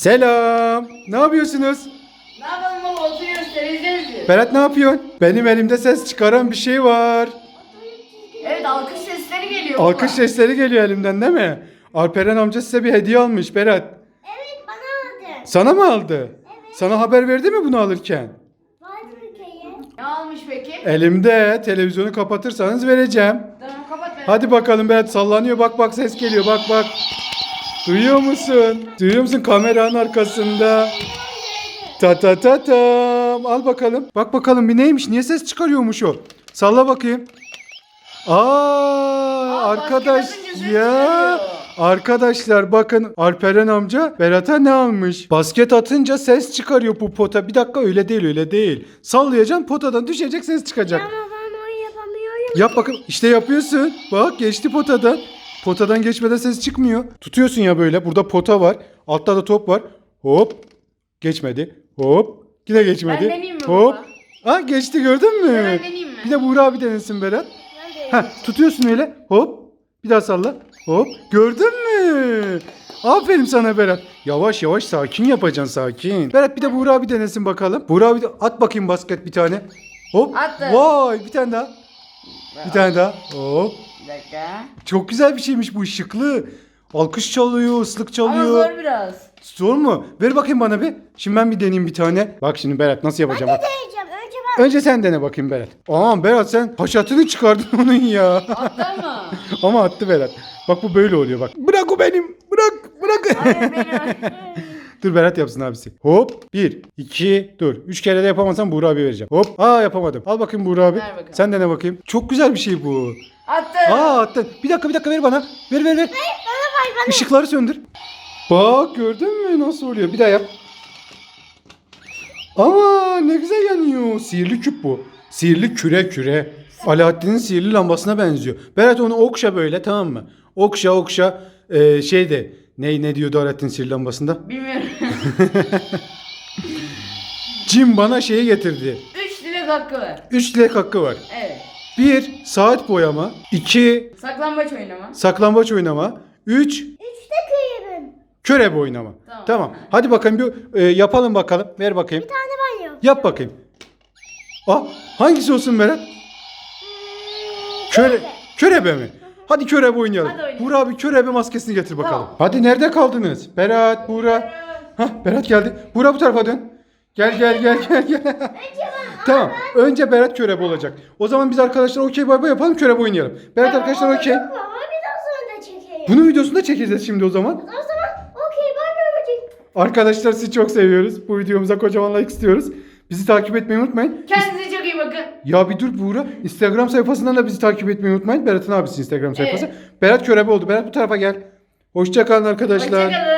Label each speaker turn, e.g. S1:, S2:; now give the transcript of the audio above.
S1: Selam. Ne yapıyorsunuz?
S2: Ne yapalım baba, oturuyoruz, televizyon izliyoruz.
S1: Berat ne yapıyorsun? Benim elimde ses çıkaran bir şey var.
S2: Evet, alkış sesleri geliyor baba.
S1: Alkış sesleri geliyor elimden değil mi? Alperen amca size bir hediye almış Berat.
S3: Evet, bana aldı.
S1: Sana mı aldı?
S3: Evet.
S1: Sana haber verdi mi bunu alırken?
S3: Vardı ülkeye.
S2: Ne almış peki?
S1: Elimde, televizyonu kapatırsanız vereceğim.
S2: Tamam, kapat ben.
S1: Hadi bakalım Berat, sallanıyor, bak bak, ses geliyor, bak bak. Duyuyor musun? Duyuyor musun kameranın arkasında? Ta ta ta tam. Al bakalım. Bak bakalım bir neymiş? Niye ses çıkarıyormuş o? Salla bakayım. Arkadaş
S2: basket atınca ses
S1: ya.
S2: çıkarıyor.
S1: Arkadaşlar bakın, Alperen amca Berat'a ne almış? Basket atınca ses çıkarıyor bu pota. Bir dakika, öyle değil, öyle değil. Sallayacaksın, potadan düşecek, ses çıkacak.
S3: Ama ben onu yapamıyorum.
S1: Yap bakın. İşte yapıyorsun. Bak, geçti potadan. Potadan geçmeden ses çıkmıyor. Tutuyorsun ya böyle. Burada pota var. Altta da top var. Hop. Geçmedi. Hop. Yine geçmedi.
S2: Ben deneyeyim mi
S1: Hop.
S2: baba?
S1: Geçti, gördün mü?
S2: Ben deneyeyim mi?
S1: Bir de Buğra abi denesin Berat.
S3: Ben de
S1: Tutuyorsun öyle. Hop. Bir daha salla. Hop. Gördün mü? Aferin sana Berat. Yavaş yavaş, sakin yapacaksın, sakin. Berat bir de Buğra abi denesin bakalım. Buğra abi de at bakayım basket bir tane. Hop.
S2: Attı.
S1: Vay, bir tane daha. Bir tane daha. Hop.
S2: Bir dakika.
S1: Çok güzel bir şeymiş bu, şıklı. Alkış çalıyor, ıslık
S2: Ama
S1: çalıyor.
S2: zor biraz.
S1: Zor mu? Ver bakayım bana bir. Şimdi ben bir deneyeyim bir tane. Bak şimdi Berat nasıl yapacağım, bak.
S3: deneyeceğim. Önce ben.
S1: Önce sen dene bakayım Berat. Aman Berat, sen haşatını çıkardın onun ya.
S2: Attı mı?
S1: Ama attı Berat. Bak bu böyle oluyor bak. Bırak o benim. Bırak.
S2: Hayır, benim.
S1: Dur Berat yapsın abisi. Hop. 1, 2, dur. 3 kere de yapamazsam Buğra abi vereceğim. Hop. Yapamadım. Al bakayım Buğra abi.
S2: Ver bakalım.
S1: Sen dene bakayım. Çok güzel bir şey bu.
S2: Attı.
S1: Attın. Bir dakika ver bana. Ver.
S3: Bana bana.
S1: Işıkları söndür. Bak, gördün mü nasıl oluyor? Bir daha yap. Aa, ne güzel yanıyor. Sihirli küp bu. Sihirli küre. Alaaddin'in sihirli lambasına benziyor. Berat onu okşa böyle, tamam mı? Okşa. Şeyde ne diyordu Alaaddin sihirli lambasında?
S2: Bilmiyorum.
S1: Cin bana şeyi getirdi.
S2: 3 dilek hakkı var.
S1: 3 dilek hakkı var.
S2: Evet.
S1: 1 saat boyama. 2
S2: Saklambaç oynama.
S1: saklambaç oynama. 3
S3: Üçte kıyırım.
S1: körebe oynama. Tamam. Hadi bakayım bir yapalım bakalım. Ver bakayım.
S3: Bir tane ben yok.
S1: Yap bakayım. Hangisi olsun Berat? Körebe mi? Hadi körebe oynayalım.
S2: Hadi oynayalım.
S1: Buğra abi körebe maskesini getir bakalım.
S2: Tamam.
S1: Hadi, nerede kaldınız? Berat, Buğra. Berat geldi. Buğra bu tarafa dön. Gel. Tamam. Önce Berat körebe olacak. O zaman biz arkadaşlar okey bay bay yapalım, körebe oynayalım. Berat arkadaşlar okey.
S3: Ama biraz sonra da çekeyim.
S1: Bunun videosunu da çekeceğiz şimdi o zaman.
S3: O zaman okey bay bay bakayım.
S1: Arkadaşlar sizi çok seviyoruz. Bu videomuza kocaman like istiyoruz. Bizi takip etmeyi unutmayın.
S2: Kendinize çok iyi bakın.
S1: Ya bir dur Buğra. Instagram sayfasından da bizi takip etmeyi unutmayın. Berat'ın abisi Instagram sayfası.
S2: Evet.
S1: Berat körebe oldu. Berat bu tarafa gel. Hoşça kalın arkadaşlar.
S2: Hoşçakalın.